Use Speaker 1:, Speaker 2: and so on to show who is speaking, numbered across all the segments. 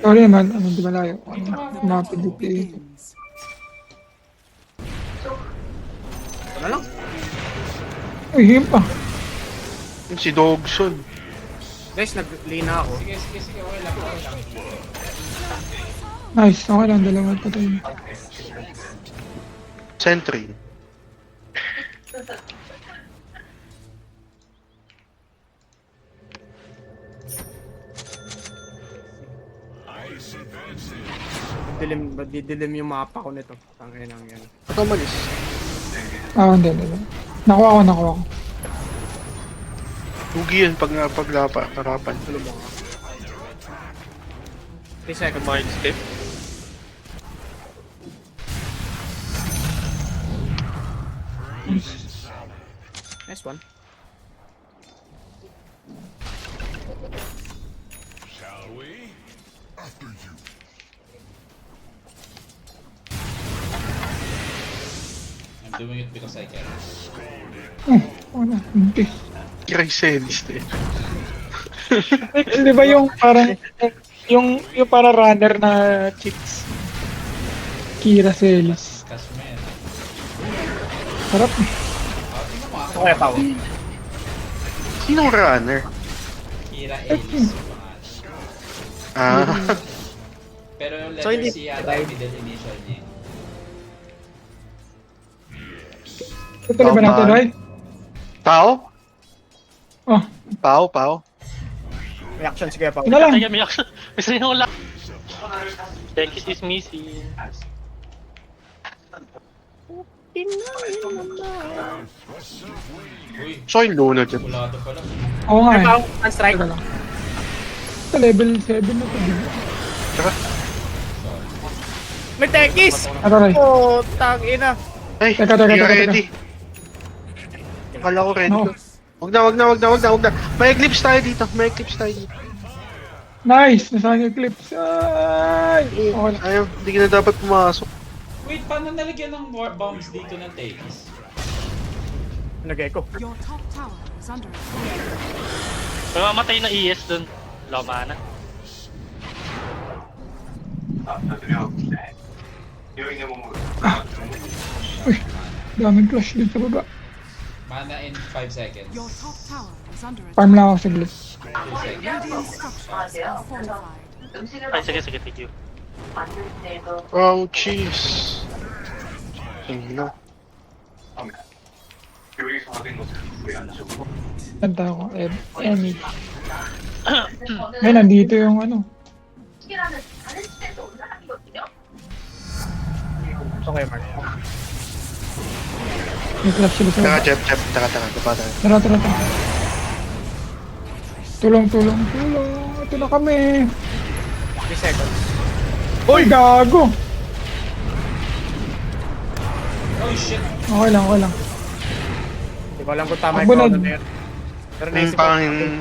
Speaker 1: Sorry naman, ano, di malayo.
Speaker 2: The
Speaker 1: Mga
Speaker 2: battle
Speaker 1: PDP.
Speaker 2: begins.
Speaker 3: Ito na lang.
Speaker 1: Uy, him pa.
Speaker 4: Yung si Dogson.
Speaker 3: Guys, nag-lina ako.
Speaker 5: Sige, sige, sige, okay lang, okay lang.
Speaker 1: Nice, okay lang, dalawa pa tayo.
Speaker 4: Sentry.
Speaker 3: Didilim yung mapa ko nito. Tangin lang yan.
Speaker 4: Ba't umalis?
Speaker 1: Ah, hindi. Nakuha ko.
Speaker 4: Hugi yan pag harapan.
Speaker 3: Ano ba nga? 3 seconds.
Speaker 6: Mind step.
Speaker 3: Nice one.
Speaker 5: I'm doing it because I can.
Speaker 1: Wala, hindi.
Speaker 4: Chrysalis eh.
Speaker 1: Di ba yung parang, yung para runner na chicks? Kira Celis.
Speaker 5: Cash mo yan.
Speaker 1: Sarap eh.
Speaker 5: Tingnan mo ako.
Speaker 3: Okay, tao.
Speaker 4: Sinong runner?
Speaker 5: Kira Ellis yung pangalan.
Speaker 4: Ah.
Speaker 5: Pero yung
Speaker 3: So,
Speaker 5: letter
Speaker 3: hindi-
Speaker 5: C yata yung middle initial niya.
Speaker 1: Tutuloy ba natin,
Speaker 4: Tama.
Speaker 1: Roy?
Speaker 4: Pao?
Speaker 1: Oh,
Speaker 4: Pao?
Speaker 3: May action sige pa.
Speaker 1: yun na lang.
Speaker 6: Kaya may action. May sinula. Tekis is missing.
Speaker 5: Uy,
Speaker 4: So yung Luna dyan.
Speaker 5: kulado pala.
Speaker 1: Oo nga
Speaker 3: May
Speaker 1: eh.
Speaker 3: pang unstrike.
Speaker 1: Teka lang. Ito level 7 na to.
Speaker 4: Tsaka,
Speaker 3: May tekis!
Speaker 1: Ano, Roy?
Speaker 3: Oh, tangina.
Speaker 4: ay,
Speaker 1: Teka.
Speaker 4: hindi ka ready. Akala ko ready
Speaker 1: No.
Speaker 4: ka. Wag na. May eclipse tayo dito.
Speaker 1: Nice! Nasaan yung clips? Ay! Okay lang.
Speaker 4: Ayaw, hindi ka na dapat pumasok.
Speaker 5: Wait, paano nalagyan ng war bombs dito ng Takis?
Speaker 3: Nag-echo.
Speaker 2: Your top tower is under attack.
Speaker 6: May mamatay na ES dun. Lama na.
Speaker 1: Uy, daming clash dito sa baba.
Speaker 5: Mana in 5 seconds.
Speaker 2: Your top tower is under attack.
Speaker 1: Farm lang ako saglit.
Speaker 5: 2 seconds.
Speaker 2: Radiant structures are fortified.
Speaker 6: Ay, sige, thank you.
Speaker 4: Oh, jeez. Hindi na.
Speaker 1: Kanta ako. Emmy. Ay, nandito yung ano.
Speaker 3: Okay, Mark.
Speaker 1: May clash sila sa
Speaker 4: Taka,
Speaker 1: baba.
Speaker 4: Jeff. Taka. Tapa tayo.
Speaker 1: Tara. Tulong. Ito na kami.
Speaker 3: 3 seconds.
Speaker 1: Uy, gago!
Speaker 5: Oh shit!
Speaker 1: Okay lang.
Speaker 3: Hindi ko alam kung tama yung
Speaker 1: Abunod.
Speaker 3: chrono na yun. Pero naisip ko.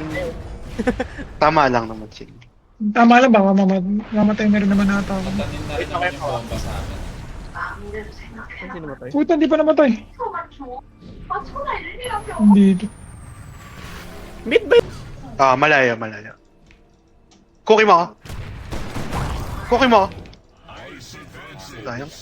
Speaker 4: Tama lang naman sila.
Speaker 1: Tama lang ba? Mamatay na rin naman nata ako.
Speaker 5: Tanin na rin naman yung bomba sa amin.
Speaker 3: Sino ba tayo?
Speaker 1: Puta, hindi pa namatay. Dito.
Speaker 3: Mid ba yun?
Speaker 4: Ah, malaya. Cookie mo. Sayang.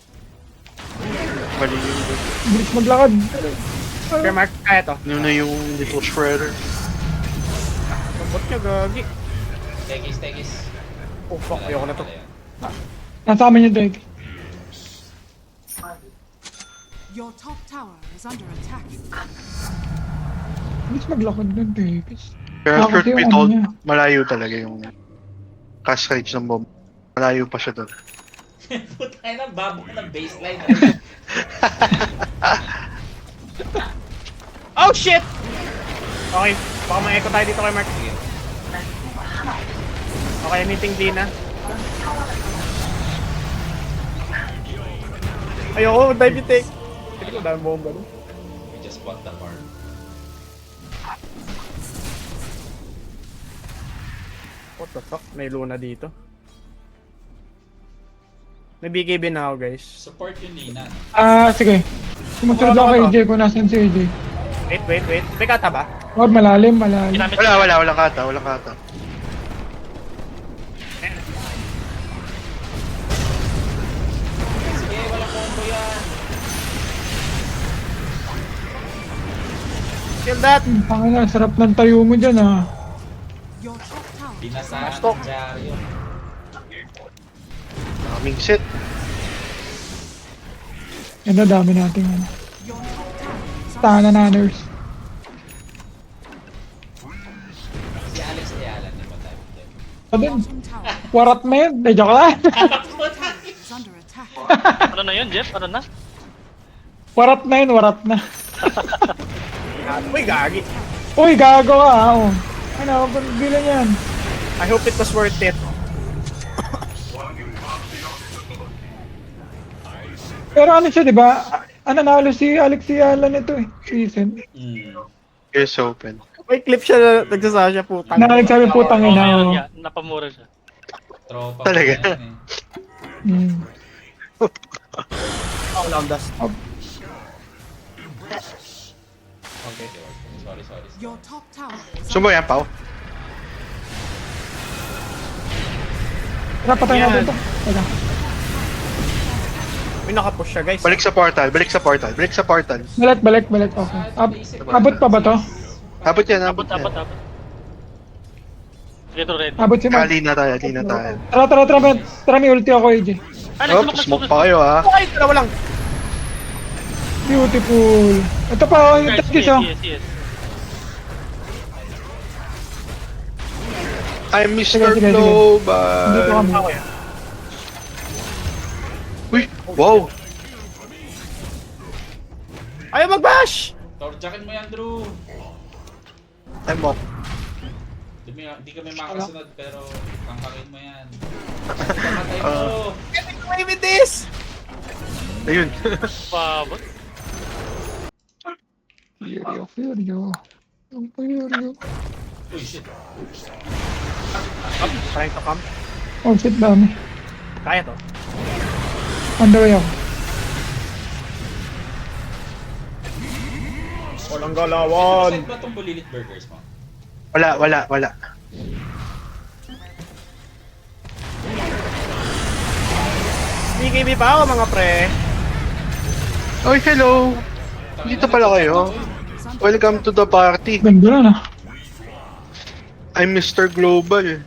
Speaker 4: Mali yun.
Speaker 1: Bilis maglakad.
Speaker 3: Okay, Mark. Kaya to.
Speaker 4: Yun na yung little shredder.
Speaker 3: Lambot niya, gagi.
Speaker 5: Takis.
Speaker 3: Oh, fuck. Ayoko na to.
Speaker 1: Nasa amin yung deck.
Speaker 2: Your top tower is under attack.
Speaker 1: Bilis maglakad ng dekis.
Speaker 4: Pero
Speaker 1: Bakit
Speaker 4: truth
Speaker 1: yung
Speaker 4: be
Speaker 1: ano
Speaker 4: told,
Speaker 1: niya?
Speaker 4: malayo talaga yung cast range ng bomb. Malayo pa siya doon.
Speaker 5: Puta na, babo ka ng baseline.
Speaker 3: Oh, shit! Okay. Baka ma-echo tayo dito kay Mark. Okay, meeting Dina. Ayoko, dive yung take. Hindi ko dami bomba doon.
Speaker 5: We just bought the farm.
Speaker 3: What the fuck? May Luna dito. May BKB na ako, guys.
Speaker 5: Support yung Lina.
Speaker 1: Sige. Sumusunod ako kay AJ kung nasan si AJ.
Speaker 3: Wait. May kata ba?
Speaker 1: Huwag malalim.
Speaker 6: Ginamit
Speaker 4: Walang kata.
Speaker 3: Kill that!
Speaker 1: Tangina, sarap ng tayo mo dyan ah.
Speaker 2: Your top tower.
Speaker 5: Binasahan
Speaker 3: Stop.
Speaker 5: ng Jaryo.
Speaker 4: Daming set.
Speaker 1: Yan na, dami nating ano.
Speaker 2: Your top tower. is under
Speaker 1: Tahanan na nurse.
Speaker 5: Si Alex Ayala, di ba tayo?
Speaker 1: Sabi,
Speaker 2: bottom tower.
Speaker 1: warat na yun. Eh, joke lang.
Speaker 2: Is under attack.
Speaker 6: Ano na yun, Jeff? Ano na?
Speaker 1: Warat na yun, warat na.
Speaker 3: Uy, gagi.
Speaker 1: Uy, gago ka ah. Oh. Ano, bilang yan.
Speaker 3: I hope it was worth it.
Speaker 1: Pero ano siya, di ba? Nanalo si Alex Ayala nito eh. Season.
Speaker 4: Here's open.
Speaker 3: May clip siya na nagsasaya siya putang.
Speaker 1: Nagsabi putang
Speaker 6: Oo,
Speaker 1: ina.
Speaker 6: ngayon
Speaker 1: oh.
Speaker 6: nga. Napamura siya.
Speaker 5: Tropa
Speaker 4: Talaga?
Speaker 5: ko yan eh.
Speaker 1: Hmm.
Speaker 3: Oh, long dust.
Speaker 5: Okay, sorry.
Speaker 2: Your top tower. is
Speaker 4: Sumo yan, Pao.
Speaker 1: Tara, patay
Speaker 3: Yan.
Speaker 1: natin to. Teka.
Speaker 3: May nakapush siya, guys.
Speaker 4: Balik sa portal, balik sa portal, balik sa portal.
Speaker 1: Balik. Okay. Abot pa ba to?
Speaker 4: Abot yan,
Speaker 6: Abot,
Speaker 4: abot
Speaker 6: abot,
Speaker 4: yan.
Speaker 6: abot. Get ready.
Speaker 1: Abot si Mark.
Speaker 4: Kali na tayo, di na tayo.
Speaker 1: Tara, may ulti ako, AJ.
Speaker 6: Ah,
Speaker 4: Oh, smoke pa kayo ah.
Speaker 3: Ay, dalawa lang.
Speaker 1: Beautiful. Ito pa, oh, yung tagis, oh.
Speaker 6: Yes.
Speaker 4: I'm Mr.
Speaker 1: Sige. Dito
Speaker 4: Global.
Speaker 1: kami.
Speaker 3: Ako yan.
Speaker 4: Uy, wow.
Speaker 3: Ayaw mag-bash!
Speaker 5: Torjakin mo yan, Drew.
Speaker 4: I'm up.
Speaker 5: Di kami makasunod pero kangkangin mo yan. Patay mo.
Speaker 3: Get away with this!
Speaker 4: Ayun.
Speaker 6: Pabot.
Speaker 1: Furio. Ang Furio.
Speaker 5: Uy, shit.
Speaker 3: Up, trying to come.
Speaker 1: Oh shit, dami.
Speaker 3: Kaya to.
Speaker 1: On the way ako.
Speaker 3: Walang galawan.
Speaker 5: Saan ba itong bulilit burgers mo?
Speaker 4: Wala.
Speaker 3: BKB pa ako mga pre.
Speaker 4: Oy, hello. Dito pala kayo. Welcome to the party.
Speaker 1: Ganda na na.
Speaker 4: I'm Mr. Global.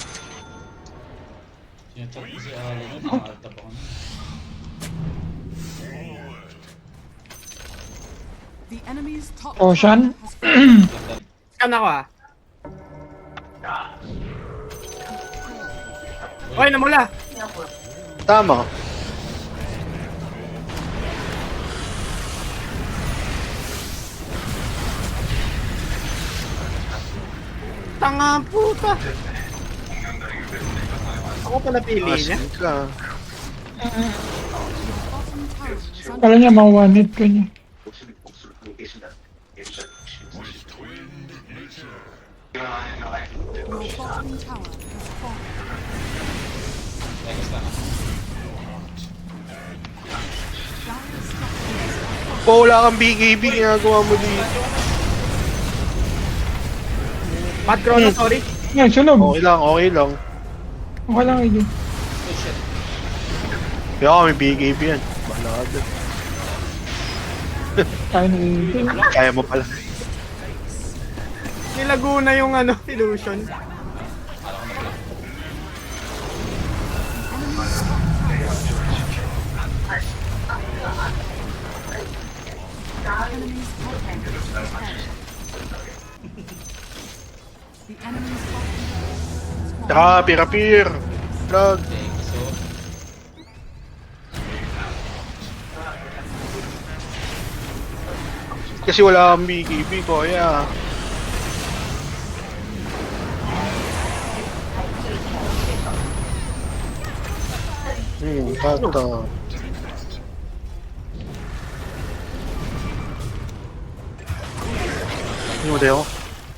Speaker 5: Sinachat ko si Alan yun, nakaalta pa ko na.
Speaker 2: The enemy's top
Speaker 1: Ocean.
Speaker 2: tower has fallen.
Speaker 3: Scan ako ah. Oy, namula.
Speaker 4: Tama.
Speaker 3: Tanga puta. Ako pala pili niya.
Speaker 4: Asin ka.
Speaker 2: Bottom tower is under
Speaker 1: Kala niya ma-one hit ko niya.
Speaker 2: your bottom tower has fallen.
Speaker 5: Teka, lang.
Speaker 2: Dire structures are falling.
Speaker 4: Po, wala kang BKB, ginagawa mo dito.
Speaker 3: Mad Chrono, sorry.
Speaker 1: Yan, sunog.
Speaker 4: Okay lang.
Speaker 1: Okay lang, AJ.
Speaker 5: Oh shit.
Speaker 4: Kaya may BKB yan. Bahala ka dyan.
Speaker 1: Kaya na AJ.
Speaker 4: Kaya mo pala.
Speaker 3: Nilago na yung ano, illusion.
Speaker 2: Enemy's top tower has fallen. The enemy's bottom tower has fallen.
Speaker 4: Tsaka, pirapir. Vlog.
Speaker 5: Thank you so.
Speaker 4: Kasi wala kang BKB ko, kaya. Kata. Ano ba yun?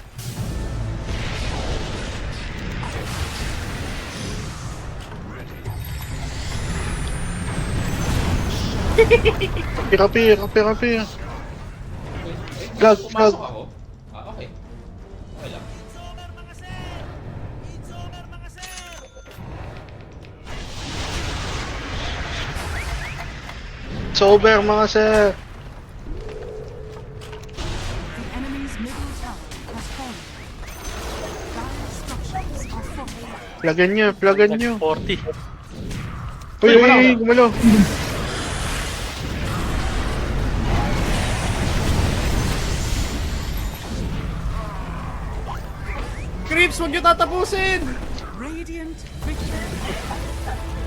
Speaker 4: Pirapir. Vlog.
Speaker 5: Pumasok ako? Ah, okay. Okay lang.
Speaker 4: It's over mga sir.
Speaker 2: The enemy's middle tower has fallen. Dire structures are falling.
Speaker 4: Plagan nyo.
Speaker 6: 40.
Speaker 4: Uy, gumalaw.
Speaker 3: Creeps, huwag nyo tatapusin!
Speaker 2: Radiant victory.